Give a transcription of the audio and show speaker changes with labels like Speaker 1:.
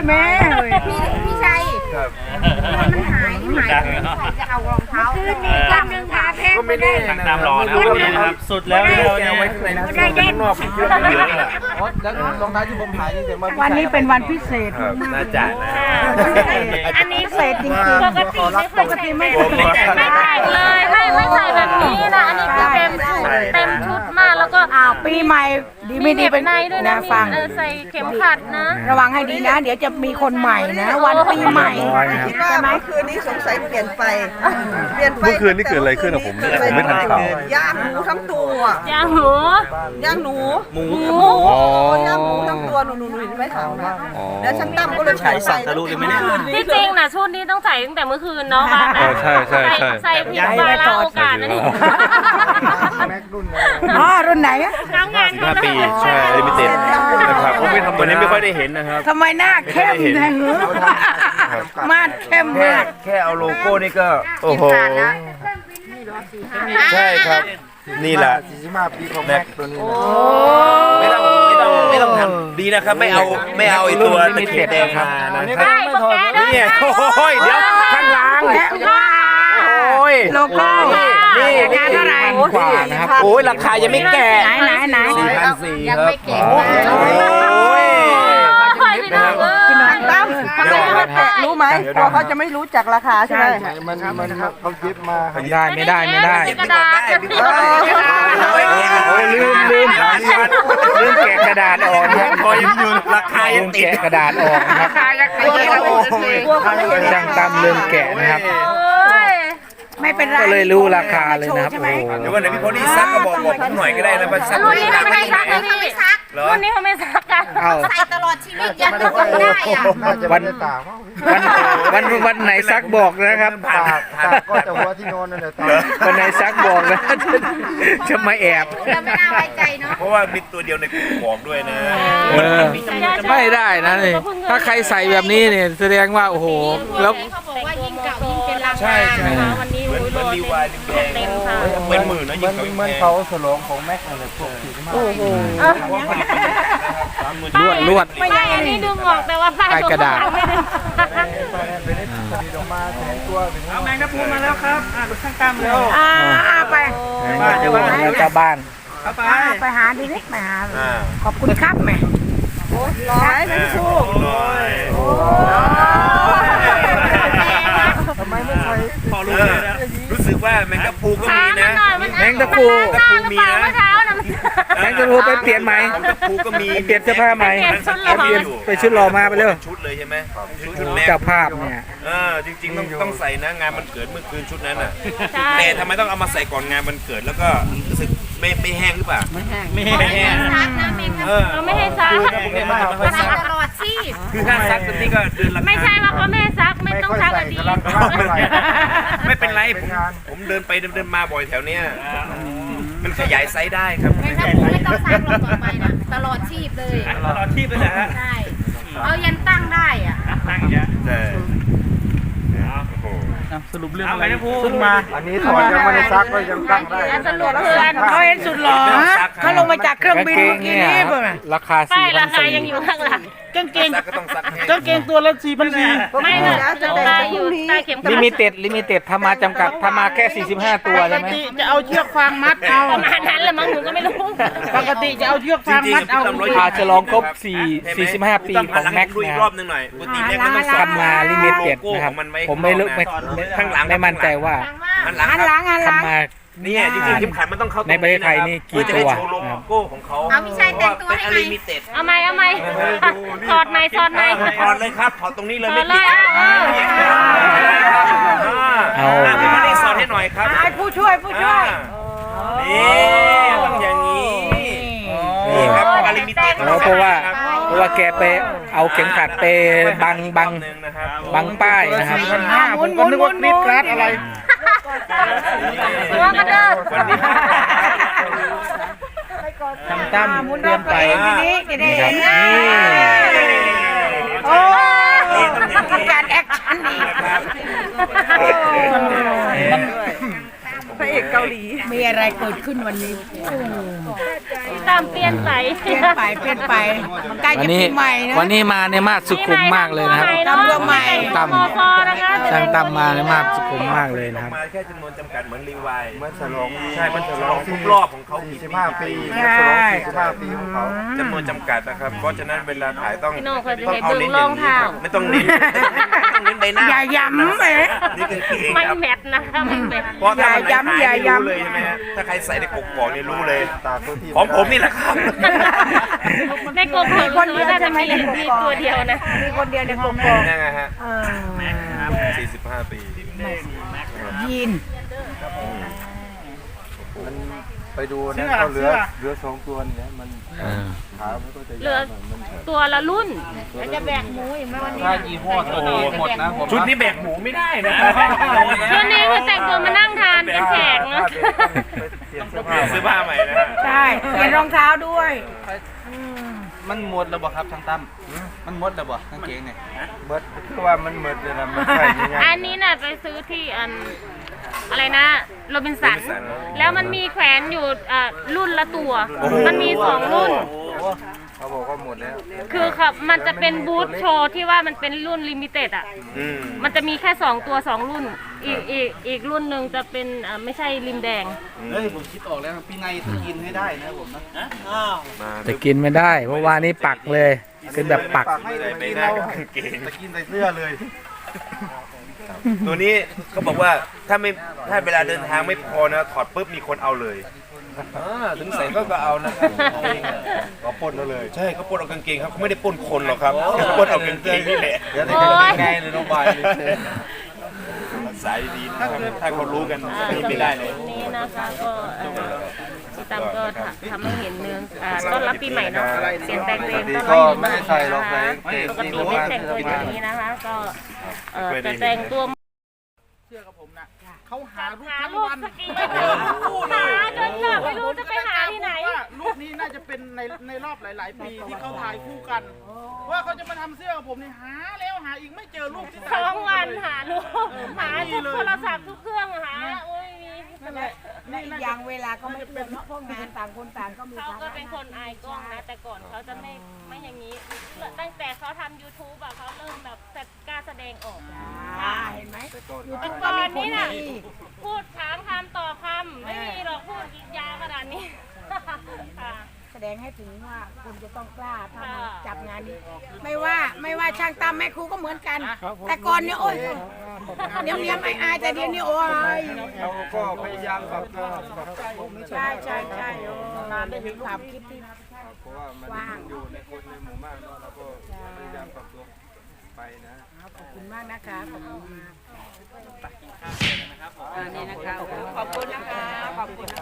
Speaker 1: แม่
Speaker 2: พี่ชัยมันหายจะเอารองเท้าขึ้นนี่กันนึงขาแพงไม่ได้
Speaker 3: ตามรอนะครับสุดแล้วเนี่ยไว้ในข้างนอกผมคิดว่าเยอะแหละ
Speaker 4: แล้วรองเท้าที่ผมหายนี่แต่
Speaker 1: วันนี้เป็นวันพิเศษ
Speaker 3: น่าจะนะ
Speaker 1: อันนี้พิเศษจริงๆปกติไม่
Speaker 5: แต่งเลยไม่ใส่แบบนี้นะอันนี้คือเต็มชุดมากแล้วก็
Speaker 1: ปีใหม่ดีไม่ดีเป็น
Speaker 5: ในด้วยนะ
Speaker 1: ฟัง
Speaker 5: ใส่เข็มขัดนะ
Speaker 1: ระวังให้ดีนะเดี๋ยวจะมีคนใหม่นะวันปีใหม่
Speaker 2: คิดว่าเมื่อคืนนี้สงสัยเปลี่ยนไป
Speaker 6: เมื่อคืนนี่เกิดอะไรขึ้นอะผมไม่ทันข่าว
Speaker 2: ย่างหมูทั้งตัว
Speaker 5: ย่างหมู
Speaker 2: ย่างหนูหมูย่างหมูทั้งตัวหนูไม่ถามนะแล้วฉันตั้มก็เลยใส่
Speaker 3: ทะลุเลยไหมเนี่ย
Speaker 5: ที่จริงนะชุดนี้ต้องใส่ตั้งแต่เมื่อคืนเนาะบ้านใส่ผิดวาระโอกาสนะนี่
Speaker 4: แม็กรุ่น
Speaker 1: รุ่นไหนอะ
Speaker 5: น้ำงาน
Speaker 3: 15 ปีใช่ลิมิเต็ดนะครับวันนี้ไม่ค่อยได้เห็นนะครับ
Speaker 1: ทำไมหน้าเข้มแทงหือมาดเข้มมาก
Speaker 3: แค่เอาโลโก้นี่ก็โอ้โหใช่ครับนี่แหละ
Speaker 4: 45 ปีของแม็กตัวนี้
Speaker 3: ไม่ต้องทำดีนะครับไม่เอาไอ้ตัวตะเข็บแดงมานะครับนี่โอ้ยเดี๋ยวข้างหลังโอ้ย
Speaker 1: โลโก้
Speaker 3: นี่
Speaker 1: เท่าไหร่
Speaker 3: กว่านะครับโอ้ยราคายังไม่แก่
Speaker 1: ไหน
Speaker 3: 4,400
Speaker 2: ยังไม่เก่ง
Speaker 3: โอ้ย
Speaker 2: รู้ไหมตัวเขาจะไม่รู้จักราคาใช่ไหม
Speaker 4: มันเขาเก็บมา
Speaker 3: ไม่ได้
Speaker 5: กระดาษ
Speaker 3: ลืมแกะกระดาษออกนะพอยังอยู่ราคายังติดกระดาษออกนะครับดังตามลืมแกะนะครับ
Speaker 1: ไม่เป็นไร
Speaker 3: ก็เลยรู้ราคาเลยนะครับเดี๋ยววันไหนพี่พอลี่ซักก็บอกผมหน่อยก็ได้นะว่าซัก
Speaker 5: รุ่นนี้เขาไม่ซักนะพี่รุ่นนี้เขาไม่ซักกัน
Speaker 2: ใส่ตลอดชีวิตยันจะทำได้อะ
Speaker 3: วันไหนซักบอกนะครับ
Speaker 4: ตากก็จะหัวที่นอนนั่นแหละ
Speaker 3: วันไหนซักบอกนะจะมาแอบ
Speaker 2: เราไม่น่าไว้ใจเนาะ
Speaker 3: เพราะว่ามีตัวเดียวในกลุ่มบอกด้วยนะ
Speaker 7: ไม่ได้นะนี่ถ้าใครใส่แบบนี้เนี่ยแสดงว่าโอ้โหแล้ว
Speaker 2: เขาบอกว่ายิ่งเก่ายิ่งเป็นราคา
Speaker 3: ใช่วันนี้เหมือนรีวายรีแดงเป็นหมื่นนะยิ่ง
Speaker 4: เหมือนเขาฉลองของแม็กอะไรพวกที่มา
Speaker 7: ลวด
Speaker 5: ไม่ใช่อันนี้ดึงออกแต่ว่าผ้าก
Speaker 7: ระดาษ
Speaker 4: เอา
Speaker 1: แมงดาพูมาแล้วครับข้างตามเร็วไป
Speaker 7: แล้วก็บ้าน
Speaker 1: ไปหาดินิไปหาขอบคุณครับแม่
Speaker 2: ร้อยแมงดาพู
Speaker 4: ทำไมไม่ใช่
Speaker 3: รู้สึกว่าแมงกะพูก็มีนะ
Speaker 7: แมงตะพู
Speaker 3: มีนะ
Speaker 7: แมงตะพูไปเปลี่ยนใหม่
Speaker 3: แมงกะพูก็มี
Speaker 7: เปลี่ยนเสื้อผ้าใหม่ไปชุดรอมาไปเร็ว
Speaker 3: ชุดเลยใช่ไหม
Speaker 7: ชุดเจ้าภาพเนี่ย
Speaker 3: จริงๆต้องใส่นะงานมันเกิดเมื่อคืนชุดนั้นน่ะแต่ทำไมต้องเอามาใส่ก่อนงานมันเกิดแล้วก็รู้สึกไม่แห้งหรือเปล่าไม่แห้ง
Speaker 5: เราไม่ให้ซัก
Speaker 2: ตลอดสิ
Speaker 3: คือถ้าซักตอนนี้ก็เดือนละ
Speaker 5: ไม่ใช่ว่าเขาไม่ซักไม่ต้องซักแบบนี้
Speaker 3: ไม่เป็นไรผมเดินไปเดินมาบ่อยแถวเนี้ยมันขยายไซส์ได้ครับ
Speaker 2: ไม่ต้องซักลงต่อไปนะตลอดชีพเลย
Speaker 3: ตลอดชีพเลยนะฮะ
Speaker 2: ใช่เอายันตั้งได้อ่ะ
Speaker 3: ตั้งเยอะใช่
Speaker 7: สรุปเรื่องอะไรขึ้นมา
Speaker 4: อันนี้ถอดยังไม่ได้ซักก็ยังตั้งได้
Speaker 5: สรุปเพื่อน
Speaker 1: เขาเห็นสุดหล่อเขาลงมาจากเครื่องบินเมื่อกี้นี้เพื่อน
Speaker 7: ราคา
Speaker 5: 4,400ยังอยู่ข้างหลัง
Speaker 7: กางเกงตัวละ4,400
Speaker 5: ไม่นะจะได้อยู่ใต้เข็มขัด
Speaker 7: ลิมิเต็ดทำมาจำกัดทำมาแค่45ตัวใช่ไหม
Speaker 1: จะเอาเชือกฟางมัดเอา
Speaker 5: ประมาณนั้นแหละมั้งหนูก็ไม่รู้
Speaker 1: ปกติจะเอาเชือกฟางมัดเอา
Speaker 7: อาจจะลองครบ45 ปีของแม็กซ์นะ
Speaker 3: รอบนึงหน่อยปกติแม็กซ์มันต้อง
Speaker 7: ทำมาลิมิเต็ดนะครับผมไม่
Speaker 3: ข้างหลัง
Speaker 7: ไม่มั่นใจว่าทำมา
Speaker 3: เนี่ยจริงๆเข็มขัดมันต้องเข้า
Speaker 7: ในประเทศไทยนี่กี่ตัว
Speaker 3: โลโก้ของเขา
Speaker 2: เอาพี่ชายแต่งตัวให้ไหม
Speaker 5: เอาไหมถอดไหม
Speaker 3: ถอดเลยครับถอดตรงนี้เลยไม่ติดพี่มาได้สอนให้หน่อยครับ
Speaker 1: ผู้ช่วย
Speaker 3: นี่ต้องอย่างนี้นี่ครับอาลิมิเต็ด
Speaker 7: เพราะว่าแกไปเอาเข็มขัดไปบังป้ายนะครับ
Speaker 1: ผมก็นึกว่าคลิปกราดอะไร
Speaker 5: ตัวกระเดิด
Speaker 7: ทำตั้มเตรียมไป
Speaker 1: นี่ครับโอ้การแอคชั่นนี่
Speaker 2: ระเอกเกาหลีมีอะไรเกิดขึ้นวันนี้
Speaker 5: พี่ตามเปลี่ยนไป
Speaker 2: เปลี่ยนไปมันใกล้จะปีใหม่นะ
Speaker 7: วันนี้มาในมาสสุขุมมากเลยนะครับ
Speaker 2: ตำรวจใหม่
Speaker 7: ตั้ม
Speaker 5: มพนะคะ
Speaker 7: ช่างตั้มมาในมาสสุขุมมากเลยนะครับ
Speaker 3: มาแค่จำนวนจำกัดเหมือนรีวาย
Speaker 4: เมื่อฉลอง
Speaker 3: ใช่มันฉลองครบรอบของเขากี่ปี
Speaker 4: 45 ปีเมื่อฉลอง45 ปีของเขา
Speaker 3: จำนวนจำกัดนะครับ เพราะฉะนั้นเวลาถ่ายต้อง
Speaker 5: พี่โน่เคยจะ
Speaker 3: ต้อง
Speaker 5: เห็น
Speaker 3: เอา
Speaker 5: เบื้อง
Speaker 3: เน้น
Speaker 5: ร
Speaker 3: อ
Speaker 5: อง
Speaker 3: ย่างนี้
Speaker 5: เท้า
Speaker 3: ครับไม่ต้องเน้นไม่ต้องเน้นใบหน้า
Speaker 2: อย่าย้ำเลย
Speaker 3: นี่คือเอง
Speaker 5: ไม่
Speaker 3: ครับ
Speaker 5: แมทนะคะไม่แมท
Speaker 3: เพราะถ้ามัน
Speaker 2: อย่าย้ำอย่าย้ำ
Speaker 3: รู้เลยใช่ไหมฮะถ้าใครใส่ในกกอกเนี่ยรู้เลย
Speaker 4: ตากตัวที่
Speaker 3: ของผมนี่แหละครับ
Speaker 5: ในกลุ่มของรู้น่าจะมีตัวเดียวนะ
Speaker 2: มีคนเดียวในกลุ่ม
Speaker 3: นั่นไงฮะ
Speaker 2: เออ
Speaker 3: 45 ปี
Speaker 2: ยีน
Speaker 4: มันไปดูนะเขาเหลือ2ตัวเนี่ยมันขามันก็จะ
Speaker 5: เหลือตัวละรุ่นแล้วจะแบกหมูอีกไหมวันนี้
Speaker 7: ถ้ายี่ห้อตัวนี้หมดนะผม
Speaker 3: ชุดนี้แบกหมูไม่ได้นะ
Speaker 5: ชุดนี้คือแต่งตัวมานั่งทานเป็นแขกนะ
Speaker 4: เปลี่ยน
Speaker 3: เปลี่ยนเสื้อผ้าใหม่นะ
Speaker 2: ใช่เปลี่ยนรองเท้าด้วย
Speaker 7: มันหมดแล้วบ่ครับช่างตั้มมันหมดแล้วบ่กางเกงเนี่ย
Speaker 4: เบิดคือว่ามันเหมือนเลยนะมันใส่ยังไง
Speaker 5: อันนี้น่ะไปซื้อที่อะไรนะโรบินสัน แล้วมันมีแขวนอยู่รุ่นละตัว มันมี2รุ่น
Speaker 4: เขาบอกว่าหมดแล้ว
Speaker 5: คือครับมันจะเป็นบูธโชว์ที่ว่ามันเป็นรุ่นลิมิเต็ดอ่ะ มันจะมีแค่2ตัว2รุ่น อีกรุ่นหนึ่งจะเป็นไม่ใช่ริมแดง
Speaker 7: เฮ้ยผมคิดออกแล้วพี่ไงจะกินให้ได้นะผมนะ
Speaker 1: จะกินไม่ได้เพราะว่านี่ปักเลยเป็นแบบปัก
Speaker 4: ให้
Speaker 3: ใส่
Speaker 4: ไป
Speaker 3: ไม่
Speaker 4: กิน
Speaker 3: ได้
Speaker 4: เรา
Speaker 3: กับกางเกง
Speaker 4: จะกินใส่เสื้อเลย
Speaker 3: ตัวนี้เขาบอกว่าถ้าเวลาเดินทางไม่พอนะถอดปุ๊บมีคนเอาเลยถึงใส่ก็เอานะครับ
Speaker 4: ก็ปนเราเลย
Speaker 3: ใช่เขาปล้นเอากางเกงครับเขาไม่ได้ปล้นคนหรอกครับเขาปล้นเอากางเกงนี่แหละ
Speaker 4: เดี๋ยวจะ
Speaker 5: โอ๊ย
Speaker 4: ไงเลยน้องบายเลย
Speaker 3: สายดีนะครับถ้าเขารู้กันไม่ได้เลย
Speaker 5: นี้นะคะก็พี่ตั้มก็ทำให้เห็นเนืองต้อนรับปีใหม่เนาะเปลี่ยนแปลงตัวเองต้อนรับ
Speaker 4: ก็
Speaker 5: ปีให
Speaker 4: ไม่
Speaker 5: ม่
Speaker 4: ได้ใส่หรอกใส่
Speaker 5: ปกติไม่แต่งตัวอย่างนี้นะคะ ก็จะแต่งตัว
Speaker 7: เชื่อกับผมนะเขาหารูป
Speaker 5: หา
Speaker 7: ทั้ง
Speaker 5: รูป
Speaker 7: วัน
Speaker 5: สกีหาจนแบบไม่รู้จะไปหาที่ไหน
Speaker 7: ว่ารูปนี้น่าจะเป็นในรอบหลาย ๆ ปีที่เขาถ่ายคู่กัน ว่าเขาจะมาทำเสื้อกับผมนี่หาแล้วหาอีกไม่เจอรูปที่ถ่าย
Speaker 5: 2
Speaker 7: คู่
Speaker 5: วันหารูปหาทุกโทรศัพท์ทุกเครื่องหาโอ้ยมี
Speaker 2: และอีกอย่างเวลาก็ไม่เปลี่ยนเพราะงานต่างคนต่างก็มี
Speaker 5: เขาก็เป็นคนอายกล้องนะ แต่ก่อนเขาจะไม่อย่างนี้ ตั้งแต่เขาทำ YouTube อะเขาเริ่มแบบกล้าแสดงออก
Speaker 2: เห็นไหม
Speaker 5: แต่ก่อนนี้น่ะพูดถามคำตอบคำไม่มีหรอกพูดยาวขนาดนี้ค่ะ
Speaker 2: แสดงให้ถึงว่าคุณจะต้องกล้าทำจับงานนี้ ไม่ว่าช่างตามแม่ครูก็เหมือนกัน แต่ก่อนเนี่ยโอ้ยเดี๋ยวนี้ไม่อายแต่เดี๋ยวนี้โอ้ย
Speaker 4: เราก็พยายามปรับตัว
Speaker 2: ใช่นานได้เห็นความคิดที่
Speaker 4: เพราะว่ามันอยู่ในคนในหมู่มากเนาะเราก็พยายามปรับตัวไปนะ
Speaker 2: ขอบคุณมากนะคะขอบคุณมาก
Speaker 8: นี่นะคะขอบคุณนะคะขอบคุณ